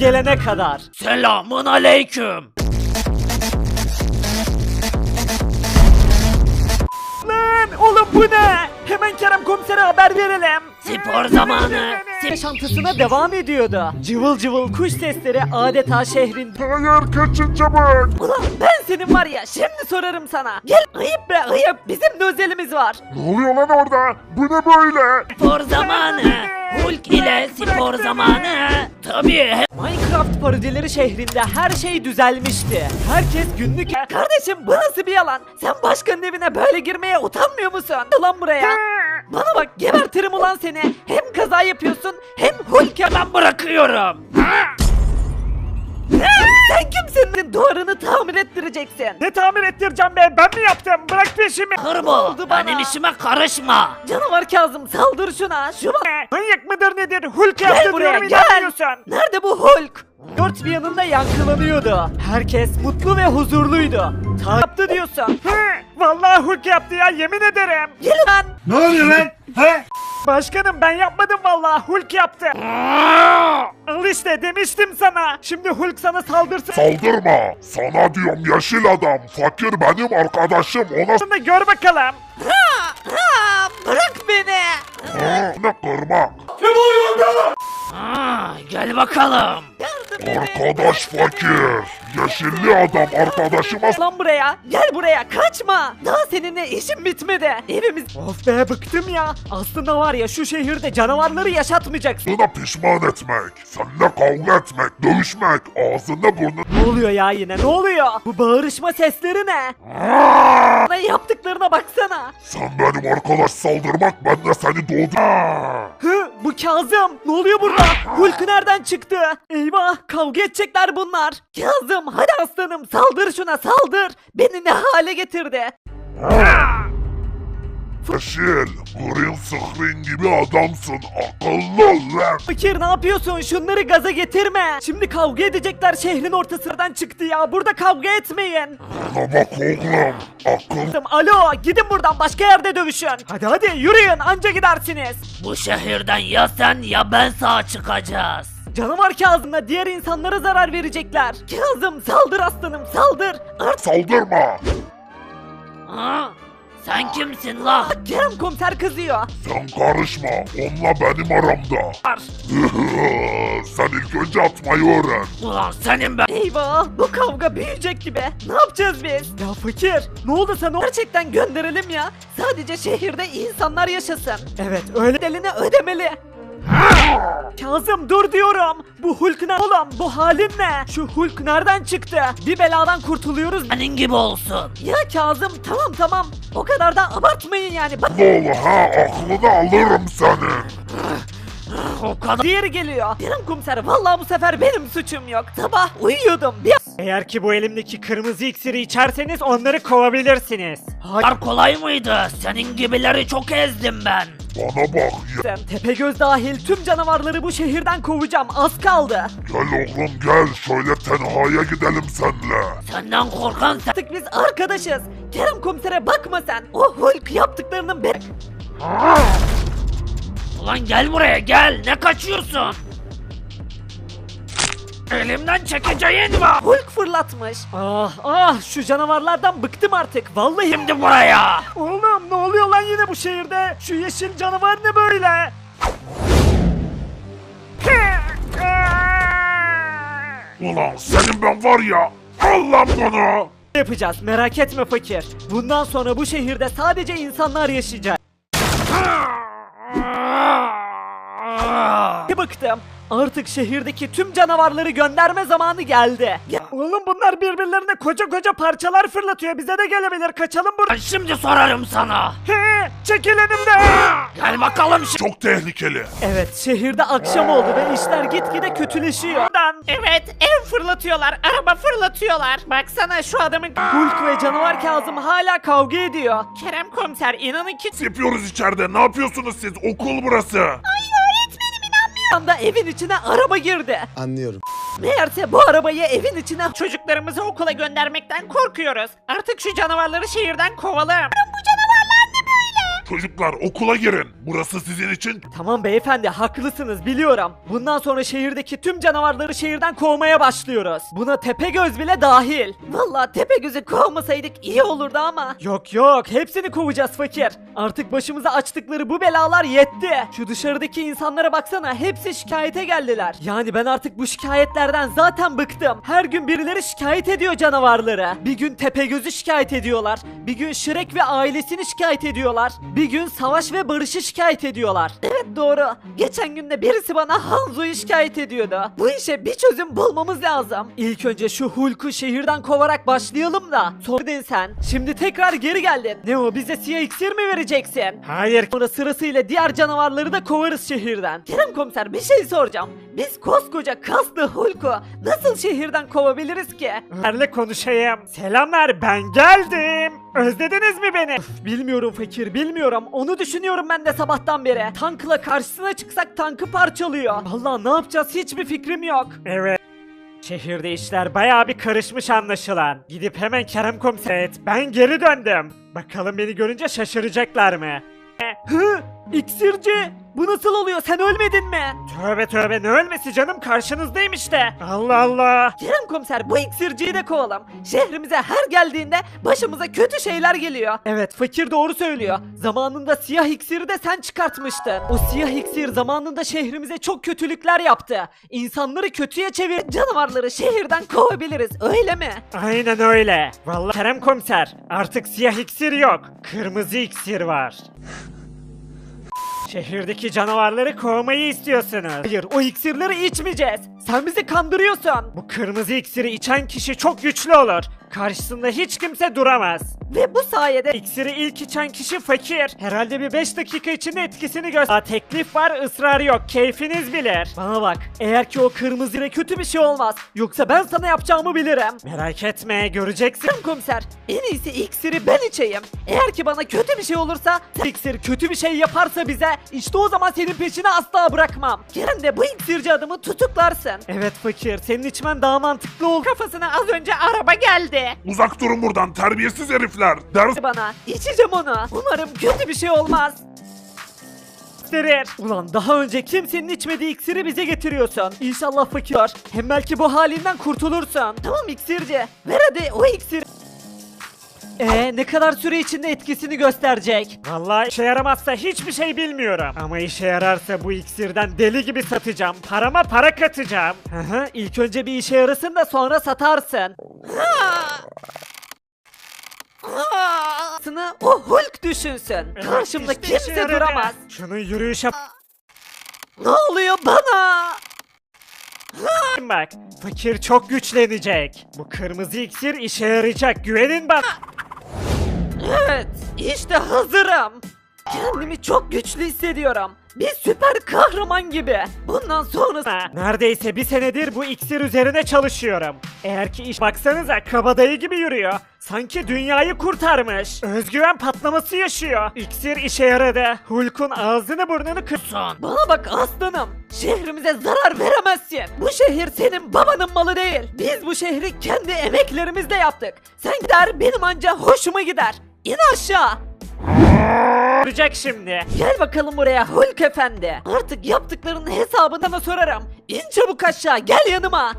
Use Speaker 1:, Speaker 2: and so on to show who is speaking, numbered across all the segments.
Speaker 1: gelene kadar.
Speaker 2: Selamun aleyküm.
Speaker 1: Lan oğlum bu ne? Hemen Kerem komisere haber verelim.
Speaker 2: Spor zamanı.
Speaker 1: Yaşantısına devam ediyordu. Cıvıl cıvıl kuş sesleri adeta şehrin...
Speaker 3: Hayır kaçın çabuk.
Speaker 1: Ulan ben senin var ya şimdi sorarım sana. Gel ayıp be ayıp, bizim de özelimiz var.
Speaker 3: Ne oluyor lan orada? Bu ne böyle?
Speaker 2: Spor zamanı. Hulk ile spor zamanı. Tabii.
Speaker 1: Minecraft parodileri şehrinde her şey düzelmişti. Herkes günlük... Kardeşim bu nasıl bir yalan? Sen başkanın evine böyle girmeye utanmıyor musun? Ulan buraya. Bana bak gebertirim ulan seni. Hem kaza yapıyorsun hem Hulk
Speaker 2: Ben bırakıyorum.
Speaker 1: Sen kimsin? Duvarını tamir ettireceksin.
Speaker 3: Ne tamir ettireceğim be? Ben mi yaptım? Bırak peşimi.
Speaker 2: Hırbo.
Speaker 1: oldu bana?
Speaker 2: Benim işime karışma.
Speaker 1: Canavar Kazım saldır şuna. Şu bak.
Speaker 3: Manyak mıdır nedir? Hulk
Speaker 1: Gel
Speaker 3: yaptı
Speaker 1: buraya
Speaker 3: diyorum
Speaker 1: gel.
Speaker 3: inanmıyorsun.
Speaker 1: Nerede bu Hulk? Dört bir yanında yankılanıyordu. Herkes mutlu ve huzurluydu. Yaptı diyorsun.
Speaker 3: Vallahi Hulk yaptı ya yemin ederim.
Speaker 1: Gel lan.
Speaker 3: Ne oluyor lan? He? Başkanım ben yapmadım vallahi Hulk yaptı. Al işte demiştim sana. Şimdi Hulk sana saldırsın.
Speaker 4: Saldırma. Sana diyorum yeşil adam. Fakir benim arkadaşım. Ona
Speaker 3: Şimdi gör bakalım.
Speaker 1: Bırak beni.
Speaker 4: ne kırmak.
Speaker 2: Gel bakalım.
Speaker 4: Arkadaş fakir. Yeşilli adam arkadaşıma
Speaker 1: Lan buraya. Gel buraya. Kaçma. Daha seninle işim bitmedi. Evimiz... Of be bıktım ya. Aslında var ya şu şehirde canavarları yaşatmayacaksın.
Speaker 4: sana pişman etmek. Seninle kavga etmek, dövüşmek, ağzında burnun...
Speaker 1: Ne oluyor ya yine? Ne oluyor? Bu bağırışma sesleri ne? Bana yaptıklarına baksana.
Speaker 4: Sen benim arkadaş saldırmak, ben de seni doğdum.
Speaker 1: Hı, bu Kazım. Ne oluyor burada? Hulk nereden çıktı? Eyvah, kavga edecekler bunlar. Kazım, hadi aslanım saldır şuna saldır. Beni ne hale getirdi?
Speaker 4: Yeşil, green screen gibi adamsın. Akıllı ol lan.
Speaker 1: Fakir ne yapıyorsun? Şunları gaza getirme. Şimdi kavga edecekler, şehrin ortasından çıktı ya. Burada kavga etmeyin.
Speaker 4: Bana bak oğlum. Akıl...
Speaker 1: Alo, gidin buradan, başka yerde dövüşün. Hadi yürüyün, anca gidersiniz.
Speaker 2: Bu şehirden ya sen ya ben sağ çıkacağız.
Speaker 1: Canavar Kazım'la diğer insanlara zarar verecekler. Kazım saldır aslanım saldır.
Speaker 4: Saldırma.
Speaker 2: Ha? Sen kimsin la?
Speaker 1: Kerem komiser kızıyor.
Speaker 4: Sen karışma. Onunla benim aramda. Sen ilk önce atmayı öğren.
Speaker 2: Ulan senin ben.
Speaker 1: Eyvah, bu kavga büyüyecek gibi. Ne yapacağız biz? Ya fakir, ne oldu sana? Gerçekten gönderelim ya. Sadece şehirde insanlar yaşasın. Evet, öyle bedelini ödemeli. Kazım dur diyorum. Bu Hulk ne oğlum? Bu halin ne? Şu Hulk nereden çıktı? Bir beladan kurtuluyoruz.
Speaker 2: Senin gibi olsun.
Speaker 1: Ya Kazım tamam. O kadar da abartmayın yani. Bak
Speaker 4: Oğlu ha, aklını alırım senin.
Speaker 2: O kadar.
Speaker 1: diğeri geliyor. Kerem komiser vallahi bu sefer benim suçum yok. Sabah uyuyordum.
Speaker 3: Eğer ki bu elimdeki kırmızı iksiri içerseniz onları kovabilirsiniz.
Speaker 2: Kadar kolay mıydı? Senin gibileri çok ezdim ben.
Speaker 4: Bana bak ya.
Speaker 1: Tepegöz dahil tüm canavarları bu şehirden kovacağım. Az kaldı.
Speaker 4: Gel oğlum gel, şöyle tenhaya gidelim senle.
Speaker 2: Senden korkan sen.
Speaker 1: Artık biz arkadaşız. Kerem komisere bakma sen. O Hulk yaptıklarının be...
Speaker 2: Ulan gel buraya gel. Ne kaçıyorsun? Elimden çekeceğin var.
Speaker 1: Hulk fırlatmış. Şu canavarlardan bıktım artık. Vallahi.
Speaker 2: Şimdi buraya.
Speaker 3: Oğlum ne oluyor lan yine bu şehirde? Şu yeşil canavar ne böyle?
Speaker 4: Ulan senin ben var ya, al lan bunu.
Speaker 1: Yapacağız merak etme fakir. Bundan sonra bu şehirde sadece insanlar yaşayacak. Bıktım. Artık şehirdeki tüm canavarları gönderme zamanı geldi.
Speaker 3: Oğlum bunlar birbirlerine koca parçalar fırlatıyor. Bize de gelebilir. Kaçalım buradan.
Speaker 2: Ben şimdi sorarım sana.
Speaker 3: Çekil önümden.
Speaker 2: Gel bakalım şimdi.
Speaker 4: Çok tehlikeli.
Speaker 1: Evet, şehirde akşam oldu ve işler gitgide kötüleşiyor.
Speaker 3: Evet ev fırlatıyorlar. Araba fırlatıyorlar. Baksana şu adamın...
Speaker 1: Hulk ve canavar Kazım hala kavga ediyor.
Speaker 3: Kerem komiser inanın ki...
Speaker 4: Yapıyoruz içeride, ne yapıyorsunuz siz? Okul burası.
Speaker 1: Bir anda evin içine araba girdi.
Speaker 5: Anlıyorum.
Speaker 1: Meğerse bu arabayı evin içine...
Speaker 3: Çocuklarımızı okula göndermekten korkuyoruz. Artık şu canavarları şehirden kovalım.
Speaker 4: Çocuklar okula girin. Burası sizin için
Speaker 3: Tamam beyefendi haklısınız biliyorum. Bundan sonra şehirdeki tüm canavarları şehirden kovmaya başlıyoruz. Buna Tepegöz bile dahil.
Speaker 1: Vallahi Tepegöz'ü kovmasaydık iyi olurdu ama.
Speaker 3: Yok yok hepsini kovacağız fakir. Artık başımıza açtıkları bu belalar yetti. Şu dışarıdaki insanlara baksana hepsi şikayete geldiler. Yani ben artık bu şikayetlerden zaten bıktım. Her gün birileri şikayet ediyor canavarları. Bir gün Tepegöz'ü şikayet ediyorlar. Bir gün Shrek ve ailesini şikayet ediyorlar. Bir gün Savaş ve Barış'ı şikayet ediyorlar.
Speaker 1: Evet doğru. Geçen gün de birisi bana Hanzo'yu şikayet ediyordu. Bu işe bir çözüm bulmamız lazım.
Speaker 3: İlk önce şu Hulk'u şehirden kovarak başlayalım da. Sonra sen. Şimdi tekrar geri geldin. Ne o bize siyah iksir mi vereceksin? Hayır. Sonra sırasıyla diğer canavarları da kovarız şehirden.
Speaker 1: Kerem komiser bir şey soracağım. Biz koskoca kaslı Hulk'u nasıl şehirden kovabiliriz ki?
Speaker 3: Ömer'le konuşayım. Selamlar ben geldim. Özlediniz mi beni? Bilmiyorum fakir bilmiyorum. Onu düşünüyorum ben de sabahtan beri. Tankla karşısına çıksak tankı parçalıyor. Vallahi ne yapacağız hiçbir fikrim yok. Evet. Şehirde işler bayağı bir karışmış anlaşılan. Gidip hemen Kerem komiser et. Ben geri döndüm. Bakalım beni görünce şaşıracaklar mı? Hı? İksirci! Bu nasıl oluyor? Sen ölmedin mi? Tövbe tövbe ne ölmesi canım karşınızdayım işte. Allah Allah.
Speaker 1: Kerem komiser bu iksirciyi de kovalım. Şehrimize her geldiğinde başımıza kötü şeyler geliyor.
Speaker 3: Evet fakir doğru söylüyor. Zamanında siyah iksiri de sen çıkartmıştın. O siyah iksir zamanında şehrimize çok kötülükler yaptı. İnsanları kötüye çevir.
Speaker 1: Canavarları şehirden kovabiliriz öyle mi?
Speaker 3: Aynen öyle. Vallahi Kerem komiser artık siyah iksir yok. Kırmızı iksir var. Şehirdeki canavarları kovmayı istiyorsunuz. Hayır o iksirleri içmeyeceğiz. Sen bizi kandırıyorsun. Bu kırmızı iksiri içen kişi çok güçlü olur. Karşısında hiç kimse duramaz.
Speaker 1: Ve bu sayede
Speaker 3: İksiri ilk içen kişi fakir. Herhalde bir 5 dakika içinde etkisini göster. Teklif var ısrar yok. Keyfiniz bilir. Bana bak. Eğer ki o kırmızı kötü bir şey olmaz. Yoksa ben sana yapacağımı bilirim. Merak etme göreceksin.
Speaker 1: Kerem komiser en iyisi iksiri ben içeyim. Eğer ki bana kötü bir şey olursa
Speaker 3: İksir kötü bir şey yaparsa bize işte o zaman senin peşini asla bırakmam.
Speaker 1: Kerem de bu iksirci adamı tutuklarsın.
Speaker 3: Evet fakir senin içmen daha mantıklı olur.
Speaker 1: Kafasına az önce araba geldi.
Speaker 4: uzak durun buradan terbiyesiz herifler. Ders
Speaker 1: Bana içeceğim onu. Umarım kötü bir şey olmaz.
Speaker 3: Gösterir. Ulan daha önce kimsenin içmediği iksiri bize getiriyorsun. İnşallah fakir. Hem belki bu halinden kurtulursun.
Speaker 1: Tamam iksirci. Ver hadi o iksiri.
Speaker 3: Ne kadar süre içinde etkisini gösterecek? Vallahi işe yaramazsa hiçbir şey bilmiyorum. Ama işe yararsa bu iksirden deli gibi satacağım. Parama para katacağım. İlk önce bir işe yarasın da sonra satarsın.
Speaker 1: Sını o Hulk düşünsün. Karşımda
Speaker 3: İşte işe
Speaker 1: kimse
Speaker 3: yaradı.
Speaker 1: duramaz.
Speaker 3: Şunun yürüyüşe
Speaker 1: Ne oluyor bana?
Speaker 3: bak. Fakir çok güçlenecek. Bu kırmızı iksir işe yarayacak. Güvenin bana.
Speaker 1: Evet, işte hazırım. Kendimi çok güçlü hissediyorum. Bir süper kahraman gibi. Bundan sonrası...
Speaker 3: Neredeyse bir senedir bu iksir üzerine çalışıyorum. Eğer ki iş baksanıza kabadayı gibi yürüyor. Sanki dünyayı kurtarmış. Özgüven patlaması yaşıyor. İksir işe yaradı. Hulk'un ağzını burnunu kırson.
Speaker 1: Bana bak aslanım. Şehrimize zarar veremezsin. Bu şehir senin babanın malı değil. Biz bu şehri kendi emeklerimizle yaptık. Sen gider benim anca hoşuma gider. İn aşağı.
Speaker 3: Görecek şimdi.
Speaker 1: Gel bakalım buraya Hulk efendi. Artık yaptıklarının hesabını sana sorarım. İn çabuk aşağı gel yanıma.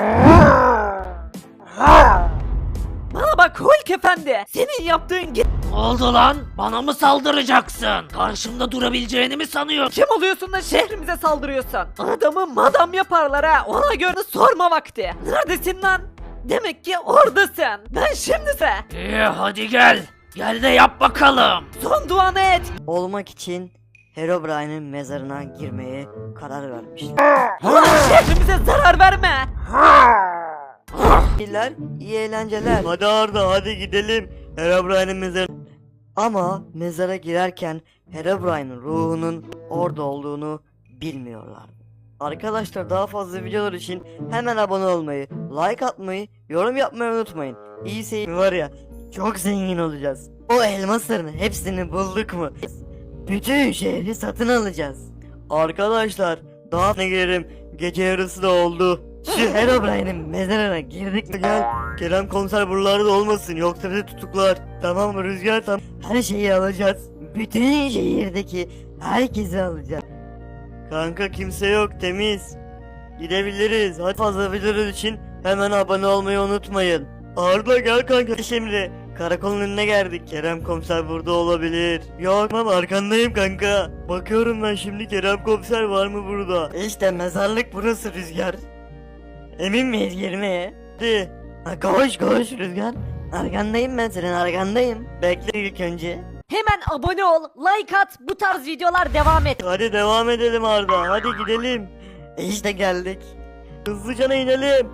Speaker 1: Bana bak Hulk efendi. Senin yaptığın
Speaker 2: Ne oldu lan? Bana mı saldıracaksın? Karşımda durabileceğini mi sanıyorsun?
Speaker 1: kim oluyorsun da şehrimize saldırıyorsun? Adamı madam yaparlar ha. Ona göre sorma vakti. Neredesin lan? Demek ki oradasın. Ben şimdise.
Speaker 2: İyi hadi gel. Gel de yap bakalım.
Speaker 1: Son duanı et.
Speaker 5: Olmak için Herobrine'in mezarına girmeye karar vermiş.
Speaker 1: Ulan şehrimize zarar verme.
Speaker 5: İyiler, iyi eğlenceler. Hadi Arda hadi gidelim Herobrine'in mezarına. Ama mezara girerken Herobrine'in ruhunun orada olduğunu bilmiyorlar. Arkadaşlar daha fazla videolar için hemen abone olmayı, like atmayı, yorum yapmayı unutmayın. İyi seyir var ya, çok zengin olacağız. O elmasların hepsini bulduk mu? Bütün şehri satın alacağız. Arkadaşlar daha ne girerim, gece yarısı da oldu. Şu Herobrine'in mezarına girdik mi gel. Kerem komiser buralarda olmasın yoksa bizi tutuklar. Tamam mı Rüzgar, tamam. Her şeyi alacağız bütün şehirdeki herkesi alacağım. Kanka kimse yok, temiz. Gidebiliriz. Hadi fazla videolar için hemen abone olmayı unutmayın. Arda gel kanka şimdi. Karakolun önüne geldik. Kerem komiser burada olabilir. Yok ama arkandayım kanka. Bakıyorum ben şimdi, Kerem komiser var mı burada? İşte mezarlık burası Rüzgar. Emin miyiz girmeye? Hadi. Ha, koş koş Rüzgar. Arkandayım, ben senin arkandayım. Bekle ilk önce.
Speaker 1: Hemen abone ol, like at, bu tarz videolar devam et.
Speaker 5: Hadi devam edelim Arda. Hadi gidelim. İşte geldik. Hızlıca inelim.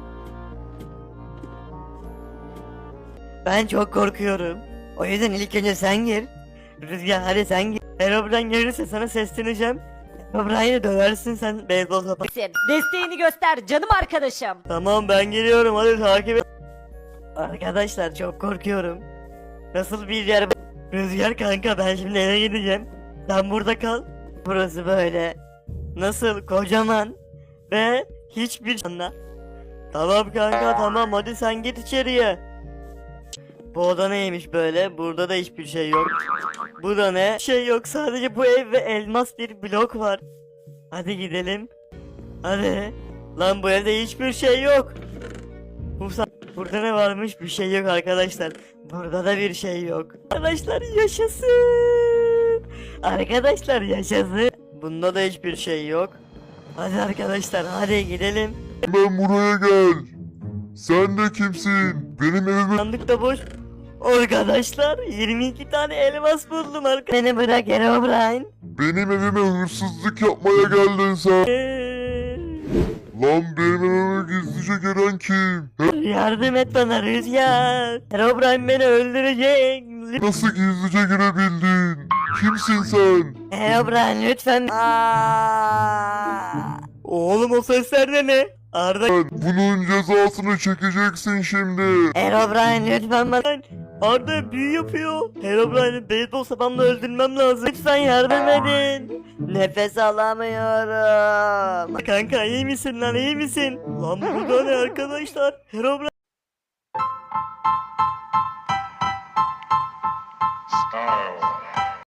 Speaker 5: Ben çok korkuyorum. O yüzden ilk önce sen gir. Rüzgar hadi sen gir. Herobrine gelirse sana sesleneceğim. Herobrine'i döversin sen beyzbol topu.
Speaker 1: Desteğini göster canım arkadaşım.
Speaker 5: Tamam ben geliyorum, hadi takip et. Arkadaşlar çok korkuyorum. Nasıl bir yer bu? Rüzgar kanka, ben şimdi eve gideceğim. Sen burada kal. Burası böyle. Nasıl kocaman ve hiçbir anla. Tamam kanka tamam, hadi sen git içeriye. Bu oda neymiş böyle? Burada da hiçbir şey yok. Bu da ne? Şey yok, sadece bu ev ve elmas bir blok var. Hadi gidelim. Hadi. Lan bu evde hiçbir şey yok. Burada ne varmış? Bir şey yok arkadaşlar. Burada da bir şey yok. Arkadaşlar yaşasın. Arkadaşlar yaşasın. Bunda da hiçbir şey yok. Hadi arkadaşlar hadi gidelim.
Speaker 4: Ben buraya gel. Sen de kimsin? Benim evime...
Speaker 5: Sandık da boş. Arkadaşlar 22 tane elmas buldum arkadaşlar. Beni bırak Herobrine.
Speaker 4: Benim evime hırsızlık yapmaya geldin sen. Lan benim evime gizlice gelen kim?
Speaker 5: Yardım et bana Rüzgar. Herobrine beni öldürecek.
Speaker 4: Nasıl gizlice girebildin? Kimsin sen?
Speaker 5: Herobrine lütfen. Oğlum o sesler de ne? Arda.
Speaker 4: Bunun cezasını çekeceksin şimdi.
Speaker 5: Herobrine lütfen bana. Arda büyü yapıyor. Herobrine'i beyzbol sapamla öldürmem lazım. Lütfen yardım edin. Nefes alamıyorum. Kanka iyi misin lan, iyi misin? Lan burada ne arkadaşlar? Herobrine.
Speaker 4: Style.